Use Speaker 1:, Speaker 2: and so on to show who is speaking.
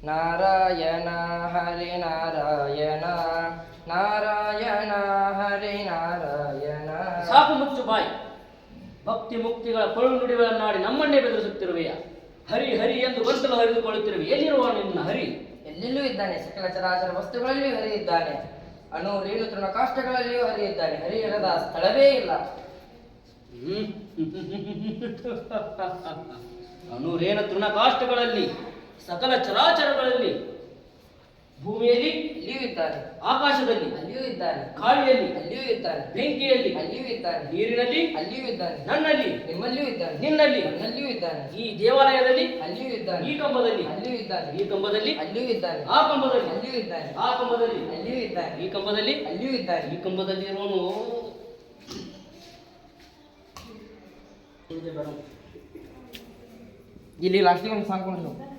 Speaker 1: ನಾರಾಯಣ ಹರಿ ನಾರಾಯಣ ನಾರಾಯಣ ಹರಿ ನಾರಾಯಣ.
Speaker 2: ಸಾಕು ಮುಚ್ಚು ಬಾಯಿ. ಭಕ್ತಿ ಮುಕ್ತಿಗಳ ಕೊಳು ನುಡಿಗಳನ್ನಾಡಿ ನಮ್ಮನ್ನೇ ಬೆದರಿಸುತ್ತಿರುವೆಯ. ಹರಿ ಹರಿ ಎಂದು ಗಂಟಲು ಹರಿದುಕೊಳ್ಳುತ್ತಿರುವೆ. ಎಲ್ಲಿರುವ ನಿನ್ನ ಹರಿ?
Speaker 1: ಎಲ್ಲೆಲ್ಲೂ ಇದ್ದಾನೆ. ಸಕಲ ಚರಾಚರ ವಸ್ತುಗಳಲ್ಲಿಯೂ ಹರಿ ಇದ್ದಾನೆ. ಅಣು ರೇಣು ತೃಣ ಕಾಷ್ಟಗಳಲ್ಲಿಯೂ ಹರಿ ಇದ್ದಾನೆ. ಹರಿ ಇರದ ಸ್ಥಳವೇ ಇಲ್ಲ.
Speaker 2: ಅನುರೇನ ತೃಣಕಾಷ್ಟಗಳಲ್ಲಿ, ಸಕಲ ಚರಾಚರಗಳಲ್ಲಿ, ಭೂಮಿಯಲ್ಲಿ
Speaker 1: ಅಲ್ಲಿಯೂ ಇದ್ದಾನೆ.
Speaker 2: ಆಕಾಶದಲ್ಲಿ
Speaker 1: ಅಲ್ಲಿಯೂ ಇದ್ದಾನೆ.
Speaker 2: ಗಾಳಿಯಲ್ಲಿ
Speaker 1: ಅಲ್ಲಿಯೂ ಇದ್ದಾನೆ.
Speaker 2: ಬೆಂಕಿಯಲ್ಲಿ
Speaker 1: ಅಲ್ಲಿಯೂ ಇದ್ದಾನೆ.
Speaker 2: ನೀರಿನಲ್ಲಿ
Speaker 1: ಅಲ್ಲಿಯೂ ಇದ್ದಾನೆ.
Speaker 2: ನನ್ನಲ್ಲಿ
Speaker 1: ನಿಮ್ಮಲ್ಲಿಯೂ ಇದ್ದಾನೆ.
Speaker 2: ನಿನ್ನಲ್ಲಿ
Speaker 1: ನನ್ನಲ್ಲಿಯೂ ಇದ್ದಾನೆ.
Speaker 2: ಈ ದೇವಾಲಯದಲ್ಲಿ
Speaker 1: ಅಲ್ಲಿಯೂ ಇದ್ದಾನೆ.
Speaker 2: ಈ ಕಂಬದಲ್ಲಿ
Speaker 1: ಅಲ್ಲಿಯೂ ಇದ್ದಾನೆ.
Speaker 2: ಈ ಕಂಬದಲ್ಲಿ
Speaker 1: ಅಲ್ಲಿಯೂ ಇದ್ದಾನೆ.
Speaker 2: ಆ ಕಂಬದಲ್ಲಿ
Speaker 1: ಅಲ್ಲಿಯೂ ಇದ್ದಾನೆ.
Speaker 2: ಆ ಕಂಬದಲ್ಲಿ
Speaker 1: ಅಲ್ಲಿಯೂ ಇದ್ದಾನೆ.
Speaker 2: ಈ ಕಂಬದಲ್ಲಿ
Speaker 1: ಅಲ್ಲಿಯೂ ಇದ್ದಾನೆ.
Speaker 2: ಈ ಕಂಬದಲ್ಲಿ ಇರೋನು
Speaker 1: ಇಲ್ಲಿ ಲಾಸ್ಟಿಗೆ ಒಂದು ಸಾಂಗ್ ಕೊಂಡು